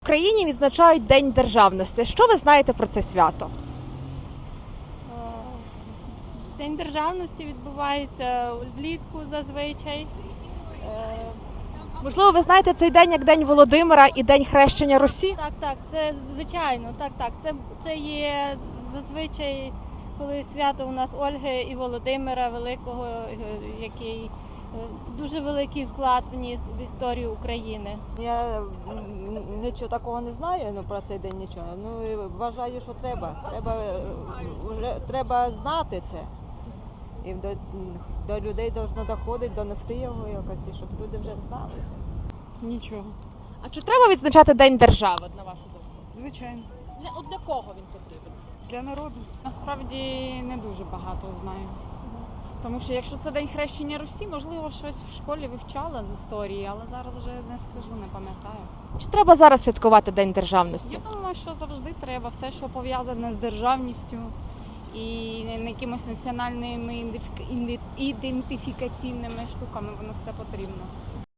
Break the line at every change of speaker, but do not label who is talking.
В Україні відзначають День державності. Що ви знаєте про це свято?
День державності відбувається влітку зазвичай.
Можливо, ви знаєте цей день як День Володимира і День Хрещення Русі?
Так, це звичайно, так. Це є зазвичай, коли свято у нас Ольги і Володимира Великого, який дуже великий вклад вніс в історію України.
Я нічого такого не знаю, про цей день нічого. І вважаю, що треба. Треба знати це. І до людей повинно доходити, донести його якось, і щоб люди вже знали це.
Нічого.
А чи треба відзначати День держави, на вашу думку?
Звичайно.
Для кого він потрібен?
Для народу.
Насправді не дуже багато знаю. Тому що якщо це День Хрещення Русі, можливо, щось в школі вивчала з історії, але зараз вже не скажу, не пам'ятаю.
Чи треба зараз святкувати День державності?
Я думаю, що завжди треба. Все, що пов'язане з державністю і якимось національними ідентифікаційними штуками, воно все потрібно.